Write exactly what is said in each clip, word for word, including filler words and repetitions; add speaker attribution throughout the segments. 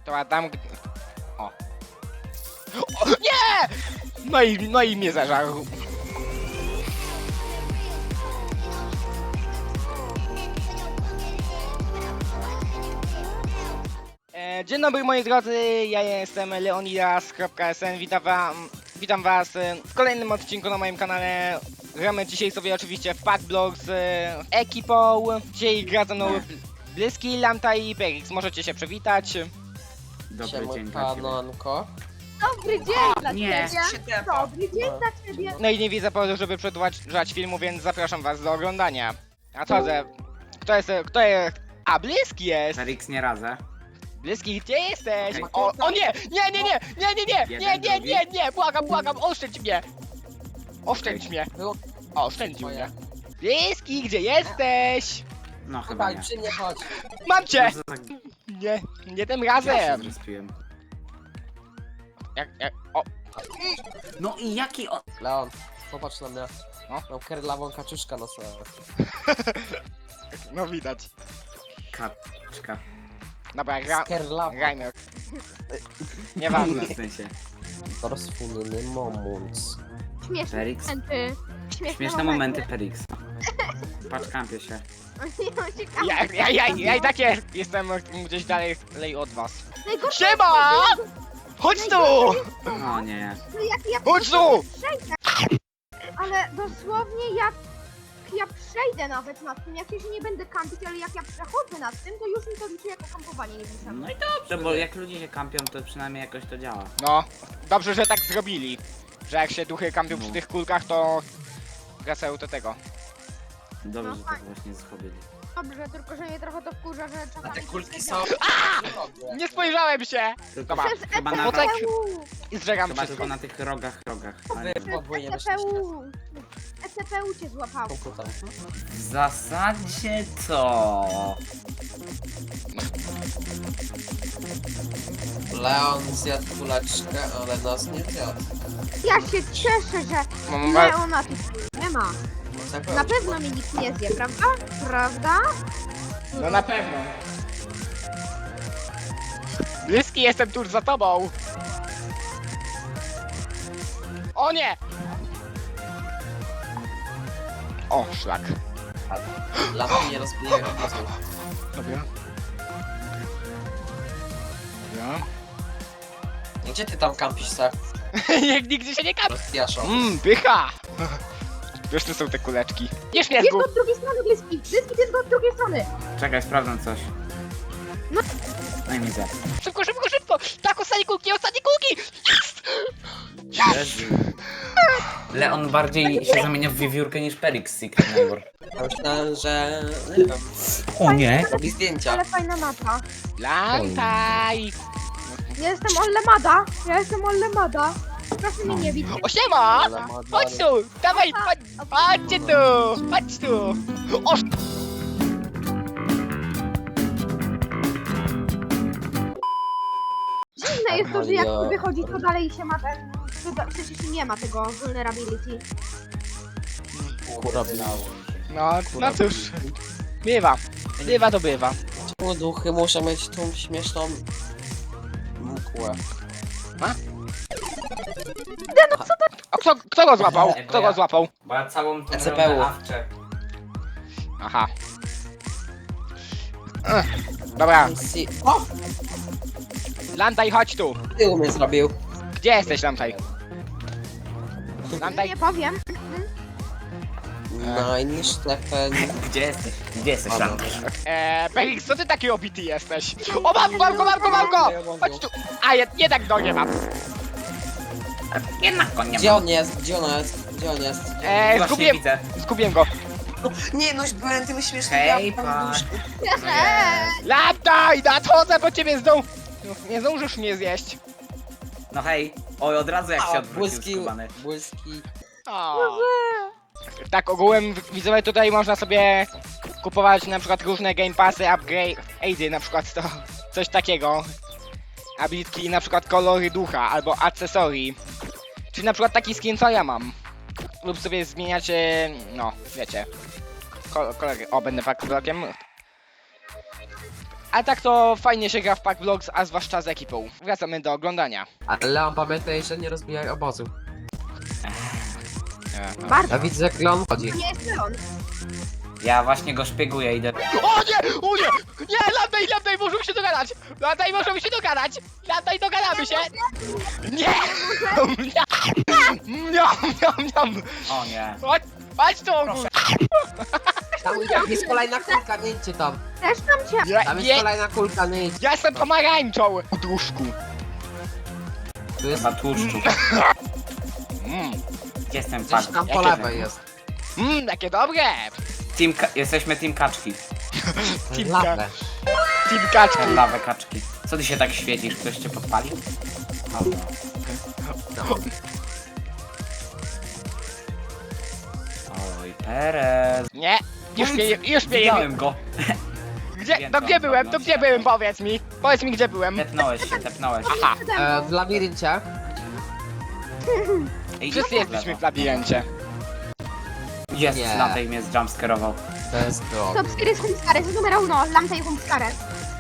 Speaker 1: To a tam... O. O nie! No i, no i mnie zażarł. E, dzień dobry moi drodzy, ja jestem leonidas kropka es en, witam, wam, witam was e, w kolejnym odcinku na moim kanale. Gramy dzisiaj sobie oczywiście w Packblock z e, ekipą. Dzisiaj gra ze mną Bliski, Lanta i Perix, możecie się przywitać.
Speaker 2: Dobry
Speaker 3: Siema,
Speaker 2: dzień dla ciebie.
Speaker 3: Panonko.
Speaker 4: Dobry dzień dla
Speaker 2: nie.
Speaker 4: ciebie! Dobry dzień
Speaker 3: No.
Speaker 4: dla ciebie!
Speaker 1: No i nie widzę powodu, żeby przedłużać filmu, więc zapraszam was do oglądania. A co ze... Kto jest... Kto jest... A, Bliski jest!
Speaker 2: Felix nie razę.
Speaker 1: Bliski, gdzie jesteś?
Speaker 2: Okej.
Speaker 1: O, o nie! Nie, nie, nie! Nie, nie, nie! Nie,
Speaker 2: Jeden,
Speaker 1: nie,
Speaker 2: drugi.
Speaker 1: nie, nie! Błagam, błagam, oszczędź mnie! Oszczędź mnie!
Speaker 3: Było
Speaker 1: Oszczędził
Speaker 3: moje.
Speaker 1: mnie. Bliski, gdzie jesteś?
Speaker 2: No chyba
Speaker 3: Chyba
Speaker 2: nie.
Speaker 3: przy mnie chodź.
Speaker 1: Mam cię!
Speaker 2: No, to tak,
Speaker 1: Nie, nie tym
Speaker 2: ja się
Speaker 1: razem!
Speaker 2: zrespiłem.
Speaker 1: Jak, jak... O,
Speaker 2: No i jaki on...
Speaker 3: Leon, popatrz na mnie.
Speaker 1: No.
Speaker 3: Mam kerlawą kaczuszkę na sobie.
Speaker 1: no widać.
Speaker 2: Kaczka.
Speaker 1: Dobra, gra...
Speaker 3: Kerlawa.
Speaker 1: Grajmy. Nieważne.
Speaker 2: W sensie.
Speaker 3: Rozfunny moment.
Speaker 4: Śmieszne
Speaker 2: Felix.
Speaker 4: momenty.
Speaker 2: Śmieszne momenty Felix. Patrz, kampię się.
Speaker 4: Ciekawe.
Speaker 1: Ja, ja, ja, ja i tak jest, jestem gdzieś dalej lej od was.
Speaker 4: Najgorsze
Speaker 1: Siema! Chodź tu!
Speaker 2: No nie.
Speaker 4: to jak ja
Speaker 1: Chodź tu!
Speaker 4: przejdę. Ale dosłownie jak ja przejdę nawet nad tym, jak ja się nie będę kampić, ale jak ja przechodzę nad tym, to już mi to liczy jako kampowanie, nie pisane.
Speaker 2: No i dobrze, bo jak ludzie się kampią, to przynajmniej jakoś to działa.
Speaker 1: No, dobrze, że tak zrobili. Że jak się duchy kampią przy
Speaker 2: No.
Speaker 1: tych kulkach, to wracają do tego.
Speaker 2: Dobrze,
Speaker 4: No
Speaker 2: że tak właśnie zrobili.
Speaker 4: Dobrze, tylko że mnie trochę to wkurza, że czasami...
Speaker 3: A te kulki
Speaker 4: się
Speaker 3: są...
Speaker 1: Nie spojrzałem się!
Speaker 2: Tylko,
Speaker 1: Dobra,
Speaker 4: Przez
Speaker 2: chyba na,
Speaker 1: Potek-
Speaker 4: E C P U!
Speaker 1: i zżegam
Speaker 2: chyba
Speaker 1: wszystko.
Speaker 2: tylko na tych rogach, rogach. Ale
Speaker 3: Wy
Speaker 2: nie.
Speaker 3: podwójnie
Speaker 4: E C P
Speaker 3: wyszliście.
Speaker 4: U! E C P U cię złapało.
Speaker 3: Komputer.
Speaker 2: W zasadzie co?
Speaker 3: Leon zjadł kuleczkę, ale nas nie zjadł.
Speaker 4: Ja się cieszę, że
Speaker 1: Mam wa-
Speaker 4: Leona tu nie ma.
Speaker 3: Zakończ.
Speaker 4: Na pewno mi nikt nie zje, prawda? Prawda?
Speaker 1: No na pewno. Bliski, jestem tuż za tobą. O nie! O, szlak.
Speaker 3: Lampy nie rozbijają głosu.
Speaker 1: Dobra. Dobra.
Speaker 3: Gdzie ty tam kampisz, tak?
Speaker 1: Niech nigdzie się nie kampi.
Speaker 3: Rozjaszą.
Speaker 1: Mmm, pycha! Wiesz, tu są te kuleczki. Nie śmiesz
Speaker 4: Jest
Speaker 1: go!
Speaker 4: go od drugiej strony, bliski! Bliski, jest go od drugiej strony!
Speaker 2: Czekaj, sprawdzam coś.
Speaker 4: No.
Speaker 2: No i mi zjadł.
Speaker 1: Szybko, szybko, szybko! Tak, ostatnie kulki, ostatnie kulki! Jest!
Speaker 2: Jezu. Leon bardziej się zamienia w wiewiórkę niż Felix z Secret Neighbor.
Speaker 3: Ja myślałem, że... Nie wiem.
Speaker 2: O nie!
Speaker 3: Robi zdjęcia.
Speaker 4: Ale fajna mapa.
Speaker 1: Lantaj!
Speaker 4: Ja jestem Ollemada! Ja jestem Ollemada! Proszę mnie nie bić.
Speaker 1: O, siema!
Speaker 3: Ale ma
Speaker 1: Chodź tu! Dawaj, chodź! Chodźcie tu! Chodź tu! O,
Speaker 4: Dziwne jest to, że jak
Speaker 3: Amalia.
Speaker 4: się wychodzi, to dalej się ma ten... to- Przecież nie ma tego vulnerability.
Speaker 3: Kura
Speaker 1: no, no cóż. Bywa. Bywa to bywa.
Speaker 3: Czemu duchy muszą mieć tą śmieszną... mkłę?
Speaker 1: A kto, kto go złapał? Kto go złapał?
Speaker 2: Bo ja całą tą
Speaker 3: E C P U.
Speaker 2: awczę.
Speaker 1: Aha. Ech, dobra,
Speaker 3: Si- O!
Speaker 1: Lantaj, chodź tu!
Speaker 3: Tył mnie zrobił.
Speaker 1: Gdzie jesteś, Lantaj? Lantaj,
Speaker 4: Nie powiem.
Speaker 3: Nein, Stefan.
Speaker 2: Gdzie jesteś? Gdzie jesteś,
Speaker 3: Dobra.
Speaker 2: Lantaj?
Speaker 1: eee, Felix, co ty taki obity jesteś? O, mam, mam go, mam go, mam go! Chodź tu! A, je, jednak go nie mam.
Speaker 2: Jednak go nie
Speaker 3: Gdzie
Speaker 2: ma.
Speaker 3: on jest? Gdzie on jest? Gdzie on jest?
Speaker 1: Eee,
Speaker 2: Właśnie
Speaker 1: zgubiłem,
Speaker 2: widzę.
Speaker 1: zgubiłem go.
Speaker 3: Nie no, byłem tym śmiesznym.
Speaker 2: Hej, pan.
Speaker 1: Lantaj, nadchodzę po ciebie zdąż... Nie zdążysz mnie zjeść.
Speaker 2: No hej. Oj, od razu jak się
Speaker 3: A,
Speaker 2: odwrócił
Speaker 3: błyski,
Speaker 2: skubany.
Speaker 3: błyski.
Speaker 1: O. Tak, ogółem widzowie tutaj można sobie kupować na przykład różne game passy, upgrade'y, na przykład to coś takiego. Abilitki, na przykład kolory ducha albo akcesorii. Czyli na przykład taki skin co ja mam. Lub sobie zmieniacie, no wiecie, ko kolory. O, będę faktblokiem. A tak to fajnie się gra w Pack Vlogs, a zwłaszcza z ekipą. Wracamy do oglądania.
Speaker 5: Ale Leon, pamiętaj, że nie rozbijaj obozu.
Speaker 4: Bardzo.
Speaker 5: Ja widzę, jak Leon chodzi.
Speaker 4: To nie jest Leon.
Speaker 2: Ja właśnie go szpieguję, idę.
Speaker 1: O nie! O nie! Nie! Landaj, Landaj, możemy się dogadać! Landaj, możemy się dogadać! Landaj, dogadamy się! Nie! Niam, niam, niam!
Speaker 2: O nie.
Speaker 1: Chodź, chodź tu!
Speaker 5: Tam jest kolejna kulka, nie idźcie tam.
Speaker 4: Też tam cię.
Speaker 1: Nie,
Speaker 5: Tam jest
Speaker 1: nie!
Speaker 5: kolejna kulka, nie idźcie.
Speaker 1: Ja jestem pomarańczą! Duszku.
Speaker 5: Tu jest
Speaker 2: Chyba tłuszczu.
Speaker 1: Mmm,
Speaker 2: Gdzie jestem
Speaker 5: gdzieś
Speaker 2: pan?
Speaker 5: tam po
Speaker 1: Jakie
Speaker 5: lewej jest.
Speaker 1: mmm, takie dobre!
Speaker 2: Team ka- jesteśmy team kaczki.
Speaker 1: Teamka.
Speaker 5: Lawę.
Speaker 1: Team kaczki.
Speaker 2: Lawę kaczki. Co ty się tak świecisz? Ktoś cię podpalił? O,
Speaker 5: No.
Speaker 2: oj, Perez.
Speaker 1: Nie! Już mnie, już mnie
Speaker 2: Widziałem go.
Speaker 1: Gdzie, to gdzie byłem? To gdzie byłem? Powiedz mi! Powiedz mi, gdzie byłem!
Speaker 2: Tepnąłeś się, tepnąłeś.
Speaker 1: Aha!
Speaker 5: E, w labiryncie.
Speaker 2: Ej,
Speaker 1: Wszyscy jesteśmy w labiryncie.
Speaker 2: Jest,
Speaker 5: Nie.
Speaker 2: Lantej mnie zjumpscarował.
Speaker 5: To jest to.
Speaker 4: Top cztery z Humscares, numer uno, Lamta i Humscares.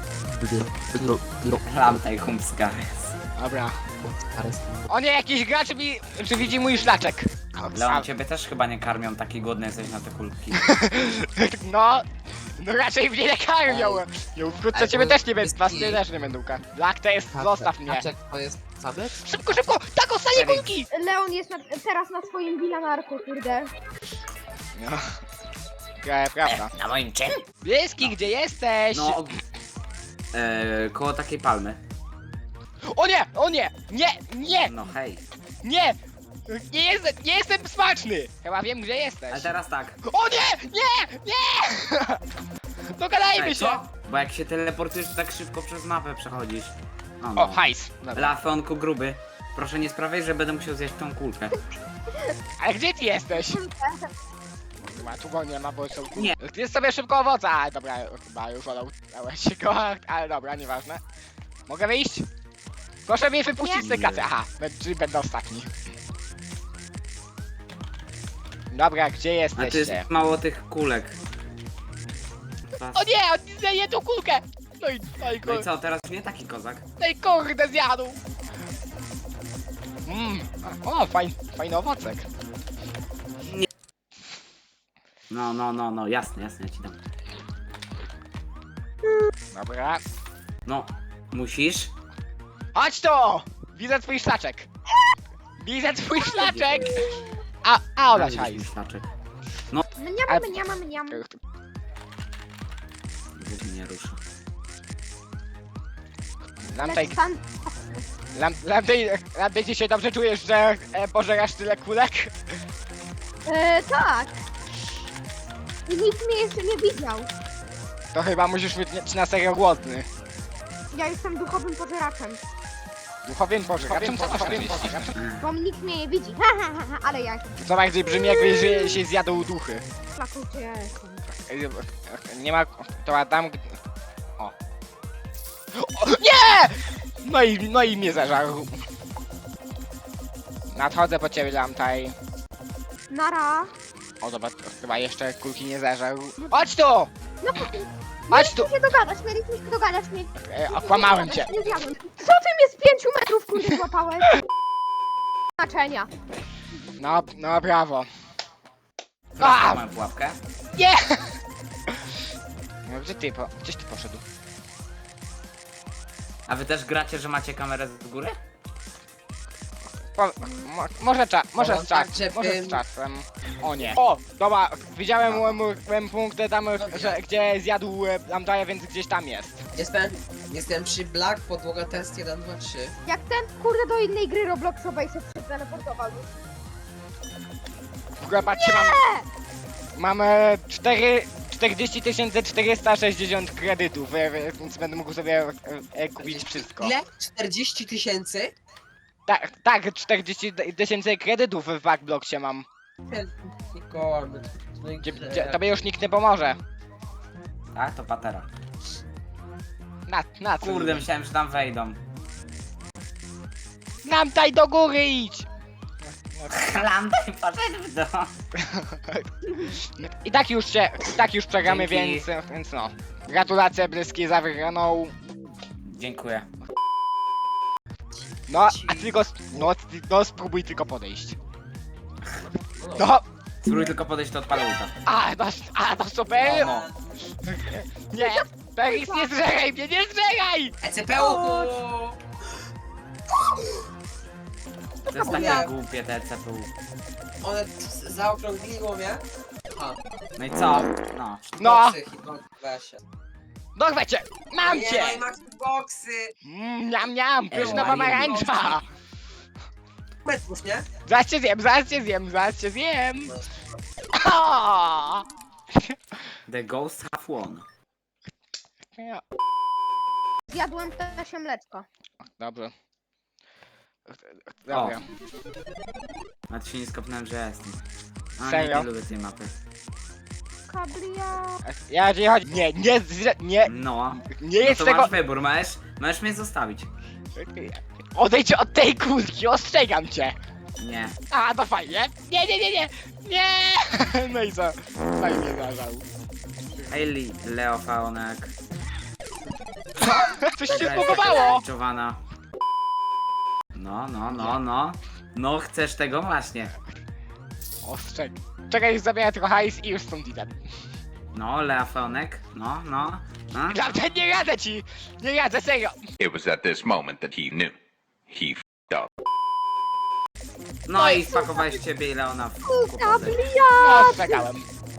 Speaker 2: Lantej Humscares.
Speaker 1: Dobra. O nie, jakiś gracz mi, czy widzi mój szlaczek.
Speaker 2: Leon, ciebie też chyba nie karmią, taki głodny jesteś na te kulki.
Speaker 1: No, no raczej mnie nie karmią. Jo, wkrótce
Speaker 5: Ale
Speaker 1: ciebie
Speaker 5: to
Speaker 1: też nie
Speaker 5: jest
Speaker 1: będę, was
Speaker 5: i-
Speaker 1: też nie będą karmić. Black to jest, zostaw mnie.
Speaker 5: Kaczek to jest sabec?
Speaker 1: Szybko, szybko, tak ostatnie
Speaker 2: Felix.
Speaker 1: kulki!
Speaker 4: Leon jest na, teraz na swoim wilanarku, kurde.
Speaker 1: No. Ja, prawda.
Speaker 2: Na moim czym?
Speaker 1: Bieski, gdzie jesteś?
Speaker 2: No, e, koło takiej palmy.
Speaker 1: O nie, o nie, nie, nie,
Speaker 2: No hej.
Speaker 1: nie! Nie jestem, nie jestem smaczny! Chyba wiem, gdzie jesteś.
Speaker 2: Ale teraz tak.
Speaker 1: O nie, nie, nie! Dogadajmy
Speaker 2: Ej,
Speaker 1: się!
Speaker 2: co? Bo jak się teleportujesz, to tak szybko przez mapę przechodzisz. No, no.
Speaker 1: O, hajs. Dobra.
Speaker 2: Lafeonku gruby. Proszę nie sprawiaj, że będę musiał zjeść tą kulkę.
Speaker 1: Ale gdzie ty jesteś? Chyba tu go nie ma, bo są...
Speaker 2: Nie.
Speaker 1: Jest sobie szybko owoca, ale dobra, chyba już olałeś go, ale dobra, nieważne. Mogę wyjść? Proszę mnie wypuścić z tej klasy, aha, bę- czyli będę ostatni. Dobra, gdzie
Speaker 2: A tu
Speaker 1: jesteście?
Speaker 2: jest mało tych kulek.
Speaker 1: O nie, on zjeje tą kulkę! No i, no i,
Speaker 2: No i
Speaker 1: kur...
Speaker 2: co, teraz nie taki kozak?
Speaker 1: no i kurde zjadł! Mmm, o, fajn, fajny owocek.
Speaker 2: No, no, no, no, jasne, jasne, ja ci dam.
Speaker 1: Dobra.
Speaker 2: No, musisz.
Speaker 1: Chodź tu! Widzę twój szlaczek. Widzę twój szlaczek! A, a olać
Speaker 2: Daj mi
Speaker 1: hajs.
Speaker 2: szlaczek.
Speaker 4: Mniam, mniam, mniam.
Speaker 2: Żeby mnie ruszył.
Speaker 1: Lampej,
Speaker 4: Lecz stan...
Speaker 1: Lampej, Lampej, ty się dobrze czujesz, że e, pożerasz tyle kulek?
Speaker 4: E, tak. I nikt mnie jeszcze nie widział.
Speaker 1: To chyba musisz być nie- na serio głodny.
Speaker 4: Ja jestem duchowym pożeraczem.
Speaker 1: Duchowym pożeraczem, co masz na myśli?
Speaker 4: Bo nikt mnie nie widzi. Ha, ha, ha, ha, ale ja
Speaker 1: To bardziej brzmi jakby że się zjadł duchy.
Speaker 4: flakucie jestem.
Speaker 1: E, Nie ma... to Adam... O. o nie! No i, no i mnie zażarł. Nadchodzę po ciebie, Lampej.
Speaker 4: Nara.
Speaker 1: O dobra, to chyba jeszcze kulki nie zażarł. Chodź tu!
Speaker 4: No,
Speaker 1: Chodź tu!
Speaker 4: mieliśmy się dogadać, mieliśmy się dogadać. Nie,
Speaker 1: E, okłamałem cię.
Speaker 4: nie zjadłem. Co ty mnie z pięciu metrów, kurde, złapałeś? Znaczenia.
Speaker 1: No, no brawo.
Speaker 2: Teraz mam pułapkę.
Speaker 1: Nie! No gdzie ty, po, gdzieś ty poszedł?
Speaker 2: A wy też gracie, że macie kamerę z góry?
Speaker 1: Po, mo, może cza, może
Speaker 5: O,
Speaker 1: z
Speaker 5: tak,
Speaker 1: czas,
Speaker 5: żeby-
Speaker 1: może z czasem. O nie. O, dobra, widziałem no. punkty tam, że, gdzie zjadł e, Lamdaja, więc gdzieś tam jest.
Speaker 5: Jestem, jestem przy Black, podłoga test jeden, dwa, trzy.
Speaker 4: Jak ten, kurde, do innej gry Robloxowej się przeteleportował.
Speaker 1: W ogóle patrzcie, mam... Mamy cztery... czterdzieści tysięcy czterysta sześćdziesiąt kredytów, e, e, więc będę mógł sobie e, e, kupić wszystko.
Speaker 5: Ile? czterdzieści tysięcy?
Speaker 1: Tak, tak, czterdzieści tysięcy kredytów w Backblocksie mam.
Speaker 5: Nikogo,
Speaker 1: Gdzie, gdzie, tobie już nikt nie pomoże.
Speaker 2: Tak, to patera.
Speaker 1: Na, na co?
Speaker 2: Kurde, myślałem, że tam wejdą.
Speaker 1: Lamtaj do góry idź!
Speaker 2: Lantej poszedł w dół.
Speaker 1: I tak już się, i tak już przegramy,
Speaker 2: Dzięki.
Speaker 1: więc, więc no. Gratulacje Blyski za wygraną.
Speaker 2: Dziękuję.
Speaker 1: No, a tylko, no, ty- no spróbuj tylko podejść. No,
Speaker 2: Spróbuj tylko podejść, to odpalę ulta.
Speaker 1: a, no, a, no super.
Speaker 2: No.
Speaker 1: Nie, Peris, nie zżeraj mnie, nie zżeraj!
Speaker 5: E C P U!
Speaker 2: To jest takie głupie te C P U.
Speaker 5: One z- zaokrągliło mnie. A,
Speaker 2: No i co? No.
Speaker 1: No,
Speaker 5: boksy, hitboxy, weź się.
Speaker 1: dorwę cię, mam
Speaker 5: Nie,
Speaker 1: cię!
Speaker 5: no i max boxy!
Speaker 1: Mm, Niam, niam, pyszna
Speaker 2: Ej,
Speaker 1: pomarańcza!
Speaker 5: Metwórz, nie?
Speaker 1: Zaraz cię zjem, zaraz cię zjem, zaraz cię zjem! O!
Speaker 2: The ghost have won.
Speaker 4: Zjadłem też mleczko.
Speaker 1: Dobrze. Dobra.
Speaker 2: Nawet się nie skopnąłem, że jestem. A,
Speaker 1: Serio?
Speaker 2: nie, nie lubię tej mapy.
Speaker 4: Kablia.
Speaker 1: Ja jeżeli chodzi. Nie, nie, zre- nie,
Speaker 2: No.
Speaker 1: nie
Speaker 2: No
Speaker 1: jest
Speaker 2: to
Speaker 1: tego.
Speaker 2: masz wybór, możesz, możesz mnie zostawić.
Speaker 1: Odejdź od tej kulki, ostrzegam cię!
Speaker 2: Nie.
Speaker 1: A, to fajnie. Nie, nie, nie, nie! Nie! No i co? Fajnie zażał.
Speaker 2: Hayley, Leo Faonek.
Speaker 1: Coś się zbugowało!
Speaker 2: Czowana. No, no, no, no. No, chcesz tego właśnie.
Speaker 1: Ostrzeg. Czekaj, już zabiorę tylko hajs i już stąd idę.
Speaker 2: No, Leo Faonek. No, no. no.
Speaker 1: Naprawdę nie radzę ci! Nie radzę, serio!
Speaker 6: It was at this moment that he knew. He f***ed up.
Speaker 2: No i spakowałeś ciebie i Leona w kłopoty.
Speaker 4: Kablia.
Speaker 1: No, ostrzegałem.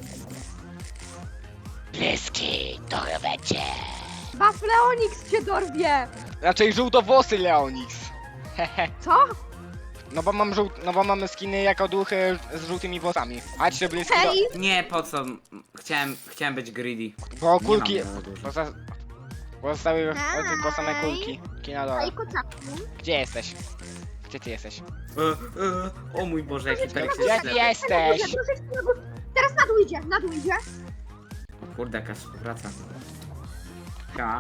Speaker 1: Bliski, dorwę cię!
Speaker 4: Baf Leonix cię dorwie.
Speaker 1: Raczej żółtowłosy Leonix. Hehe.
Speaker 4: Co?
Speaker 1: No bo mam żółt, no bo mamy skiny jako duchy z żółtymi włosami. Chodźcie bliski do...
Speaker 4: Hej.
Speaker 2: Nie, po co? Chciałem, chciałem być greedy.
Speaker 1: Bo
Speaker 2: Nie
Speaker 1: kulki...
Speaker 2: mam za dużo.
Speaker 1: Poza... Pozostały
Speaker 4: Hej.
Speaker 1: tylko same kulki. Kina dole.
Speaker 4: Hej, kociaku.
Speaker 1: Gdzie jesteś? Gdzie ty jesteś?
Speaker 2: E, e, o mój Boże, jaki perek
Speaker 1: Gdzie
Speaker 2: jest
Speaker 1: ty
Speaker 2: ślepy.
Speaker 1: jesteś?
Speaker 4: Troszeczkę na górę. Teraz na dół idzie, na dół idzie.
Speaker 2: O kurde, jaka współpraca. Ka.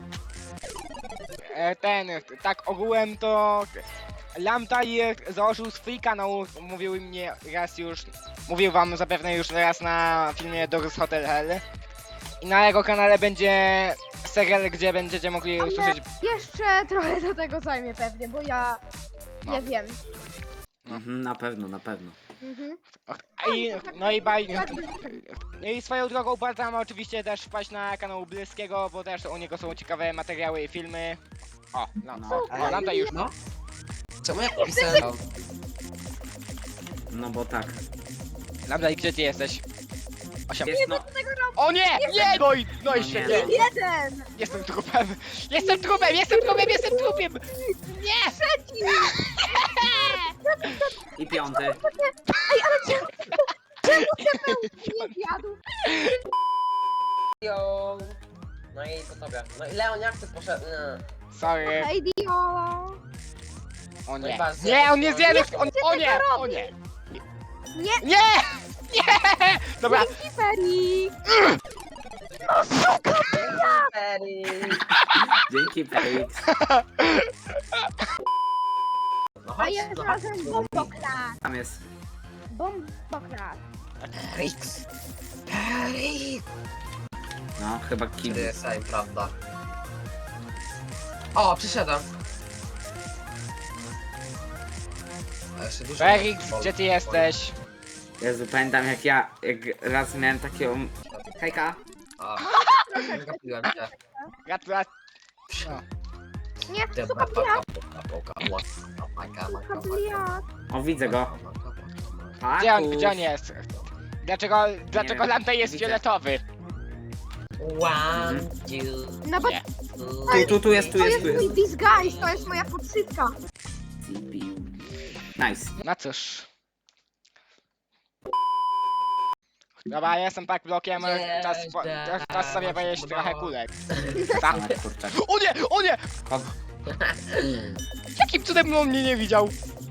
Speaker 1: E, ten, tak ogółem to... Lamtaj założył swój kanał, mówił mnie raz już... Mówił wam zapewne już raz na filmie Doris Hotel Hell. I na jego kanale będzie serial, gdzie będziecie mogli
Speaker 4: Ale
Speaker 1: usłyszeć...
Speaker 4: jeszcze trochę do tego zajmie pewnie, bo ja
Speaker 1: No.
Speaker 4: nie wiem.
Speaker 2: Mhm, na pewno, na pewno.
Speaker 4: Mhm.
Speaker 1: I, no i baj... No i swoją drogą polecam oczywiście też wpaść na kanał Blyskiego, bo też u niego są ciekawe materiały i filmy. O, no,
Speaker 2: No.
Speaker 1: o, Lambda już.
Speaker 5: No. Czemu ja pisałem?
Speaker 2: No bo tak.
Speaker 1: Lambda, i gdzie ty jesteś? Osiem.
Speaker 2: Wiesz, no,
Speaker 1: O nie! Nie! No i, no i
Speaker 2: No nie.
Speaker 1: świetnie.
Speaker 4: Jeden!
Speaker 1: Jestem trupem! Jestem trupem! Jestem trupem! Jestem trupem! Nie!
Speaker 2: i piąty.
Speaker 4: Nie zjadł.
Speaker 5: Yo. No i po tobie. No i Leon, jak ty poszedł? Nie.
Speaker 1: Sorry.
Speaker 4: Hej, Dio!
Speaker 1: O
Speaker 5: No i
Speaker 1: nie.
Speaker 5: bardzo-
Speaker 1: Nie, on nie zjadł! On, o nie! O nie!
Speaker 4: Nie!
Speaker 1: Nie! Nie! Dobra,
Speaker 4: Dzięki, Feri!
Speaker 5: Perry.
Speaker 2: Dzięki, Felix.
Speaker 5: No
Speaker 4: A
Speaker 5: chodź,
Speaker 4: jest
Speaker 5: no chodź.
Speaker 4: razem bombokrat!
Speaker 2: Tam jest.
Speaker 4: Bombokrat!
Speaker 5: Rix. Perry.
Speaker 2: No, chyba kill.
Speaker 5: Kiedy same, prawda? O, przyszedłem. A jeszcze dużo
Speaker 1: Felix,
Speaker 5: bol-
Speaker 1: gdzie ty
Speaker 5: bol-
Speaker 1: jesteś?
Speaker 2: Jezu, pamiętam jak ja, jak raz miałem taką... Hejka.
Speaker 5: A, nie gapiłem cię.
Speaker 1: Gratulacje. No.
Speaker 4: Nie,
Speaker 5: Dobra,
Speaker 4: suka
Speaker 5: paka,
Speaker 4: bliat!
Speaker 5: paka, paka, paka, paka,
Speaker 4: Suka
Speaker 5: paka,
Speaker 4: bliat!
Speaker 2: O, widzę go.
Speaker 1: Gdzie on,
Speaker 2: Pakus.
Speaker 1: gdzie on jest? Dlaczego, dlaczego
Speaker 2: wiem,
Speaker 1: Lambda jest
Speaker 2: widzę.
Speaker 1: fioletowy?
Speaker 5: One, two,
Speaker 4: No bo
Speaker 1: Nie.
Speaker 2: Tu, tu, tu jest, tu
Speaker 4: to
Speaker 2: jest,
Speaker 4: jest
Speaker 2: tu
Speaker 4: mój
Speaker 2: jest.
Speaker 4: disguise, to jest moja podszywka.
Speaker 2: Nice.
Speaker 1: No cóż. Dobra, ja jestem tak blokiem, czas, po, czas, czas sobie pojeść trochę kulek. Tak.
Speaker 2: Ale kurczak.
Speaker 1: O nie, o nie!
Speaker 2: Kod...
Speaker 1: Jakim cudem on mnie nie widział?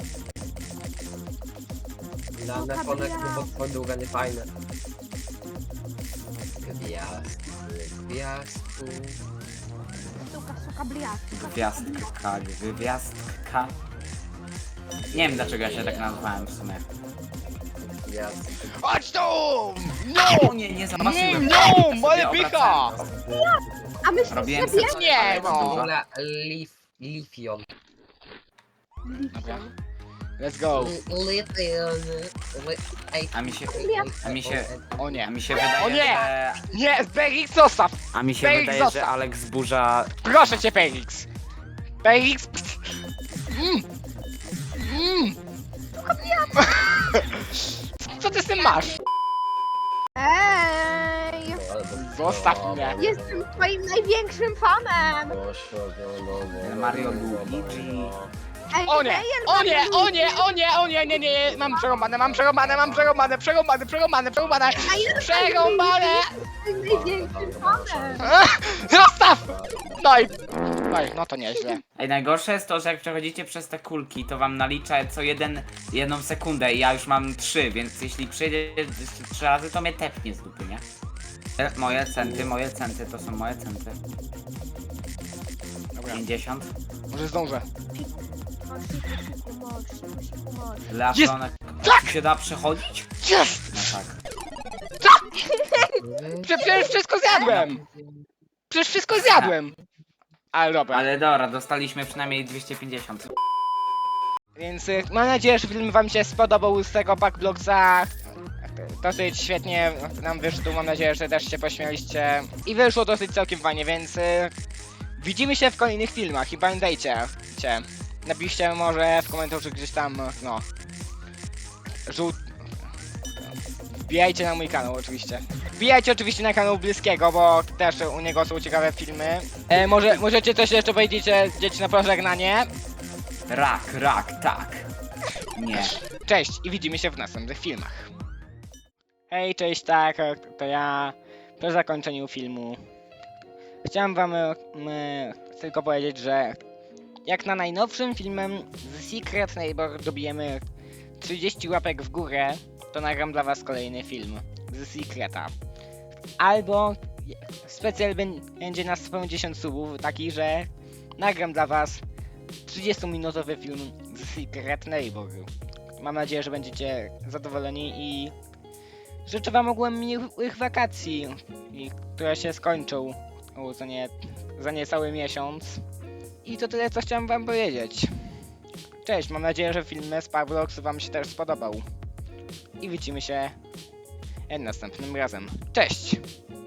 Speaker 5: Dane fonek, bo twoja długa nie fajne. Gwiazdku, gwiazdku.
Speaker 4: Suka, suka bliat.
Speaker 2: Gwiazdka, gwiazdka. Nie wiem dlaczego ja się tak nazwałem w sumie.
Speaker 5: Jest.
Speaker 1: Chodź tu!
Speaker 2: O nie, nie zobaczyłem.
Speaker 1: Mm,
Speaker 2: Sobie
Speaker 1: no, ale
Speaker 2: obracałem
Speaker 1: pycha!
Speaker 2: to.
Speaker 4: A myślisz
Speaker 2: Robiłem
Speaker 4: sobie...
Speaker 2: se-
Speaker 1: Nie,
Speaker 2: ale
Speaker 1: no.
Speaker 2: to
Speaker 5: W
Speaker 2: dużo.
Speaker 5: ogóle Lif... Lifion.
Speaker 1: Dobra. Let's go.
Speaker 5: Lifion. Ej,
Speaker 2: A mi się, a mi się,
Speaker 1: O
Speaker 2: a
Speaker 1: nie.
Speaker 2: mi się wydaje,
Speaker 1: O nie!
Speaker 2: że...
Speaker 1: Nie, Perix zostaw!
Speaker 2: A mi się
Speaker 1: Felix,
Speaker 2: wydaje, że
Speaker 1: zostaw.
Speaker 2: Alex zburza...
Speaker 1: Proszę cię, Perix! Perix! Mm. Mm. Co ty z tym masz?
Speaker 4: Ej,
Speaker 1: Zostaw mnie.
Speaker 4: jestem twoim największym fanem!
Speaker 2: Mario Luigi.
Speaker 4: Ej,
Speaker 1: O nie!
Speaker 4: Meyer
Speaker 1: O nie!
Speaker 4: Mario
Speaker 1: O nie! O nie! O nie! Nie, nie, nie! Mam przerąbane, mam przerąbane, mam przerąbane, przerąbane, przerąbane, przerąbane! Przerąbane!
Speaker 4: Jestem największym fanem!
Speaker 1: Zostaw! No i... No i, no to nieźle.
Speaker 2: Ej, najgorsze jest to, że jak przechodzicie przez te kulki, to wam nalicza co jeden, jedną sekundę i ja już mam trzy, więc jeśli przyjdzie jeszcze trzy razy, to mnie tepnie z dupy, nie? E, Moje centy, moje centy, to są moje centy.
Speaker 1: Dobra,
Speaker 2: pięćdziesiąt.
Speaker 1: może zdążę.
Speaker 2: Leafronek. Tu się da przechodzić?
Speaker 1: Jest!
Speaker 2: No tak.
Speaker 1: Prze przecież wszystko zjadłem! Przecież wszystko zjadłem! Ale dobra.
Speaker 2: Ale dobra, dostaliśmy przynajmniej dwieście pięćdziesiąt.
Speaker 1: Więc y, mam nadzieję, że film wam się spodobał z tego Packblocksa. Dosyć świetnie nam wyszło, mam nadzieję, że też się pośmialiście. I wyszło dosyć całkiem fajnie, więc y, widzimy się w kolejnych filmach i pamiętajcie, cię, napiszcie może w komentarzu gdzieś tam, no, żółt... Wbijajcie na mój kanał oczywiście. Wbijajcie oczywiście na kanał Bliskiego, bo też u niego są ciekawe filmy. E, może, możecie coś jeszcze powiedzieć, e, dzieci na pożegnanie?
Speaker 2: Rak, rak, tak. Nie.
Speaker 1: Cześć i widzimy się w następnych filmach. Hej, cześć, tak, to ja po zakończeniu filmu chciałem wam e, m, tylko powiedzieć, że jak na najnowszym filmem The Secret Neighbor dobijemy trzydzieści łapek w górę, to nagram dla was kolejny film The Secreta. Albo specjal będzie na sto pięćdziesiąt subów, taki, że nagram dla was trzydziestominutowy film The Secret Neighbor. Mam nadzieję, że będziecie zadowoleni i życzę wam ogółem miłych wakacji, i, które się skończą o, za, nie, za niecały miesiąc. I to tyle, co chciałem wam powiedzieć. Cześć, mam nadzieję, że film z Pawlox wam się też spodobał. I widzimy się następnym razem. Cześć!